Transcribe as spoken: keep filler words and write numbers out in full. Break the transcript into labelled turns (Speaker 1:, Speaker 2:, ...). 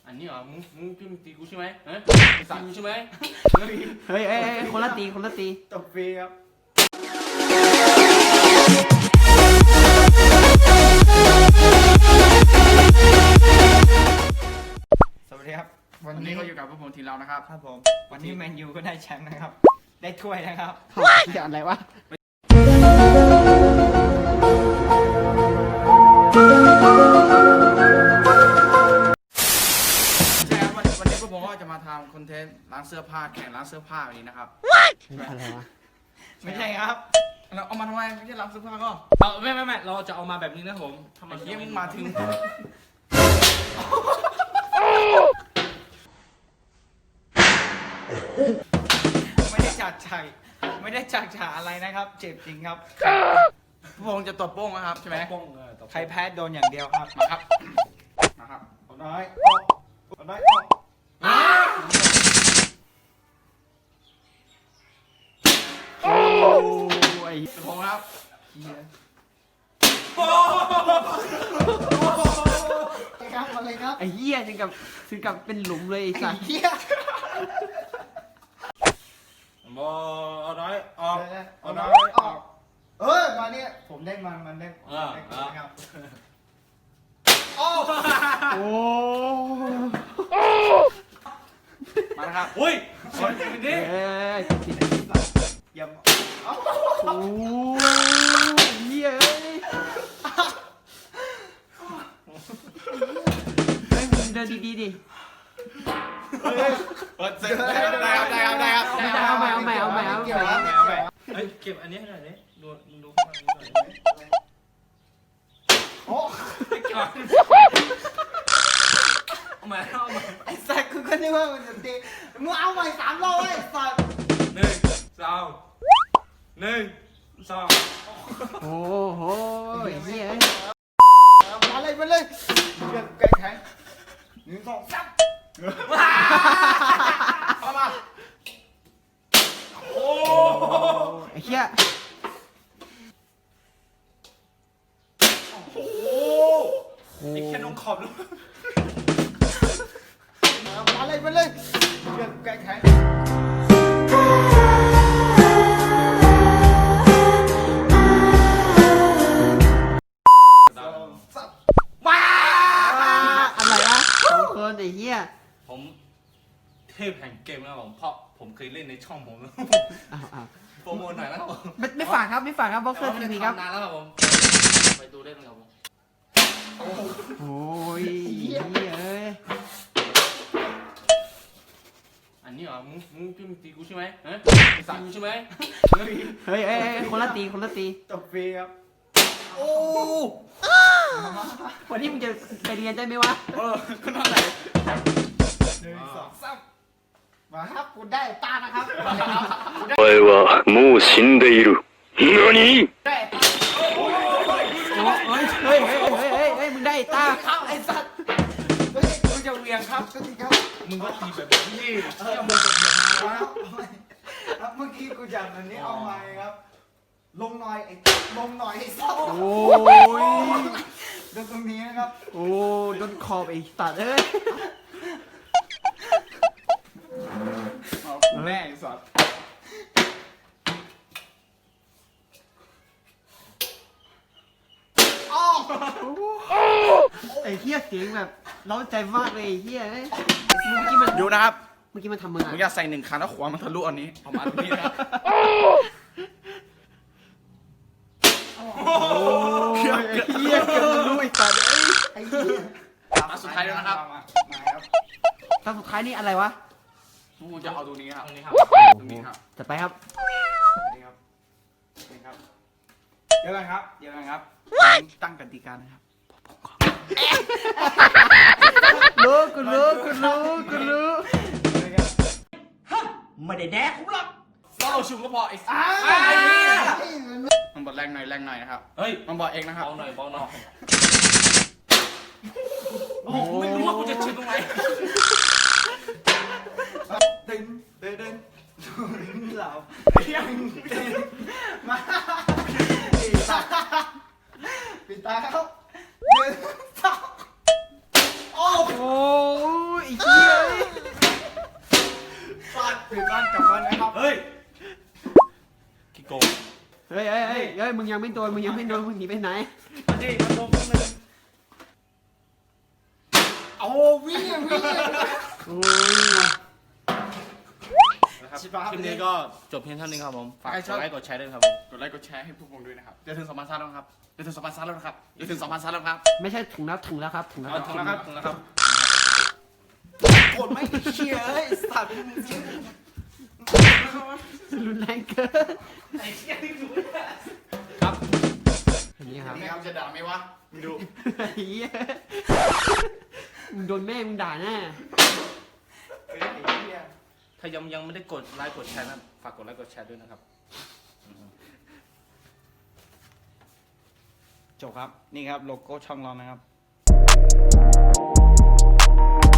Speaker 1: อันนี้เหรอมึงมึงจุ่มตีกูใช่ไหมฮะตีกูใช่ไหม
Speaker 2: เฮ้ยเฮ้ยคนละตีคนละตี
Speaker 3: ตบฟรีครับสวัสดีครับ
Speaker 1: วันนี้ก็อยู่กับพวกผมทีมเรานะครับ
Speaker 3: ครับผมวันนี้แมนยูก็ได้แชมป์นะครับได้ถ้วยนะครับ
Speaker 2: จะอะไรวะ
Speaker 1: ใช่ครับวันวันนี้พวกผมก็จะมาทำคอนเทนต์ร้านเสื้อผ้าแข่งร้านเสื้อผ้าแบบนี้นะครับ
Speaker 2: อะไรวะ
Speaker 3: ไม่ใช่ครับ
Speaker 1: เราเอามาทำไมไม่ใช่ร้านเสื้อผ้าก็
Speaker 4: เอาไม่ไม่ไม่เราจะเอามาแบบนี้นะผม
Speaker 1: ทำไมเที่ยงมาถึง
Speaker 3: ไม่ได้จัดฉากไม่ได้จัดฉากอะไรนะครับเจ็บจริงครับ
Speaker 1: พวกผมจะตบโป้งนะครับใช่ไหม
Speaker 4: ป้องเออ
Speaker 3: ใครแพ้โดนอย่างเดียวครับ
Speaker 1: มาครับมาครับ
Speaker 3: เอาน้อยออกเอาน้อยออก
Speaker 2: โอ้ย
Speaker 1: ตบโป้งครับ
Speaker 3: ครับมาเลยครับ
Speaker 2: ไอ้เหี้ยถึงกับถึงกับเป็นหลุมเลยไอ้สัส
Speaker 3: เหี้ย
Speaker 1: บอเอาน้อยออกเอาน้อยออก
Speaker 3: เออมาเนี่ยผมได้มันมันได้ได้ครับโอ้
Speaker 2: โอ้
Speaker 1: มานะครับ
Speaker 4: อุ้ยสวยจริงดิ
Speaker 2: เอ้ย
Speaker 3: อย่า
Speaker 2: โอ้ยเหี้ยเอ้ยเฮ้ยมึงเดินดีๆดิ
Speaker 1: เสร็จได้ครับได้ครับได้ครับได้ครับได้ครับ
Speaker 2: เอาใหม่เอาใหม่เอาใหม่เอาใหม่
Speaker 4: เฮ้ยเก็บอันนี้ให้หน่อยดิดูดูข้างนี้หน่อย
Speaker 3: โอ้
Speaker 4: เก็บเอาใหม่เอาใหม่
Speaker 3: ไอ้สัตว์กูก็นึกว่ามันจะตีมึงเอาใหม่สามรอบไอ้สัตว์
Speaker 4: หนึ่งสองหนึ่งสอง
Speaker 2: โอ้โหไอ้เหี้ย
Speaker 3: มาเลยมาเลยเดือดแกแข็งหนึ่งสองสามเอามา
Speaker 4: โอ้
Speaker 2: ไอ้เหี้ย
Speaker 4: โหไอ้แค่น้องขอบลูก
Speaker 3: มาเลยมาเลยเดือดแกแข็งสามว้า
Speaker 2: อะไรวะสองคนไอ้เหี้ย
Speaker 4: ผมเทพแห่งเกมนะครับผมเพราะผมเคยเล่นในช่องผมแล้ว
Speaker 2: อ้าวอ้าว
Speaker 4: โปรโมทหน่อยนะครับผม
Speaker 2: ไม่ไม่ฝากครับไม่ฝากครับบ็อกเซอร์ทีวีครับ
Speaker 4: นานแล้วครับผมไปดูได้ไหมครับผม
Speaker 2: โอ้ยเหี้ยเอ้ย
Speaker 1: อันนี้เหรอมึงมึงจุ่มตีกูใช่ไหมฮะตีกูใช่ไหม
Speaker 2: เฮ้ยเฮ้ยเฮ้ยคนละตีคนละตี
Speaker 3: ตบฟรีครับ
Speaker 1: โอ้
Speaker 2: วันนี้มึงจะไปเรียนได้ไหมวะ
Speaker 1: เออขึ้นมาไหน
Speaker 3: หนึ่งสองสามมาครับคุณได้ตานะครับ
Speaker 5: お前はもう死んでいる。何？
Speaker 3: ได้
Speaker 2: โอ้ยเฮ้ยเฮ้ยเฮ้ยเฮ้ยเฮ้ยมึงได้ไอ้ตา
Speaker 3: ครับไอ้สัตว์เฮ้ยมึงจะเวียงครับก็ดีครับ
Speaker 4: มึงก็ตีแบบนี้
Speaker 3: เออมึงจะเวียงครับเมื่อกี้กูจับอันนี้เอาไม้ครับ ลงหน่อยไอ้ลงหน่อยไอ้สัตว์
Speaker 2: โอ้ย
Speaker 3: ดูตรงนี้นะครับ
Speaker 2: โอ้โดนขอบไอ้สัตว์เอ้ย
Speaker 3: แม่ไอ้สัตว์
Speaker 2: ไอ้เหี้ยเสียงแบบเร้าใจมากเลยไอ้เหี้ยเอ้ยเมื่อกี้มัน
Speaker 1: ดูนะครับ
Speaker 2: เมื่อกี้มันทำมึง
Speaker 1: มึงอ
Speaker 2: อะ
Speaker 1: ย่าใส่หนึ่งคันแล้วขวามันทะลุอันนี้ประมาณนี้นะ
Speaker 2: โอ้ยไอ้เหี้ยเกือบจะรู้ไอ้สัตว์เอ้ย
Speaker 3: ไอ้เหี้ย
Speaker 1: มาสุดท้ายแล้วนะครับ
Speaker 3: มาครับ
Speaker 2: ตอนสุดท้ายนี่อะไรวะ
Speaker 1: กูจะเอาตรงนี้ครับ
Speaker 4: ตรงนี้ครับ
Speaker 1: ตรงนี้ครับ
Speaker 2: จะไปครับ
Speaker 3: สวัสดีครับสวัสดีครับเดี๋ยวกันครับเดี๋ยวกันครับตั้งกติกานะครับ
Speaker 2: รู้กูรู้กูรู้กูรู้
Speaker 4: ไม่ได้แดกผมหรอก
Speaker 1: เราชุมก็พอไอ้สัส
Speaker 3: อ้าว
Speaker 1: มันบอดแรงหน่อยแรงหน่อยนะครับ
Speaker 4: เฮ้ย
Speaker 1: มันบอกเองนะครับ
Speaker 4: เบาหน่อยเบาหน่อย
Speaker 1: โอ้โหไม่รู้ว่ากูจะชิมตรงไหน
Speaker 3: เดินเดินเดินเหล่า
Speaker 1: ยัง
Speaker 3: มาปิดตาปิดตาครับหนึ่งสองโอ้
Speaker 2: โอ้ยเอ้ยมึงยังไม่โดนมึงยังไม่โดนมึงหนีไปไหน
Speaker 4: นี่มันลงตรงนึง
Speaker 3: เอาวิ่งวิ่ง
Speaker 2: โอ้ย
Speaker 4: นะครับ
Speaker 3: ชิบะ
Speaker 4: คลิปนี้ก็จบเพียงเท่านี้ครับผมฝากกดไลค์กดแชร์ด้วยครับผม
Speaker 1: กดไลค์กดแชร์ให้พวกผมด้วยนะครับจะถึงสองพันซับแล้วนะครับจะถึงสองพันซับแล้วนะครับจะถึงสองพันซับแล้วครับ
Speaker 2: ไม่ใใช่ถุงแล้วถุงแล้วครับถุงแล้ว
Speaker 4: เอาถึงแล้วครับถึงแล้วครับ
Speaker 3: กดไม่เชียร์ไอ้สัตว์
Speaker 2: รุนแรงเกิน
Speaker 4: ไอ้เชี่ยนี่รู้ครับ
Speaker 2: อันนี้ครับ
Speaker 1: นี่ครับจะด่าไหมวะมึงดู
Speaker 2: เหี้ยมึงโดนแม่มึงด่าแน่
Speaker 3: ไอ้เหี้ย
Speaker 4: ถ้ายังยังไม่ได้กดไลค์กดแชร์นะฝากกดไลค์กดแชร์ด้วยนะครับ
Speaker 3: จบครับ นี่ครับโลโก้ช่องเรานะครับ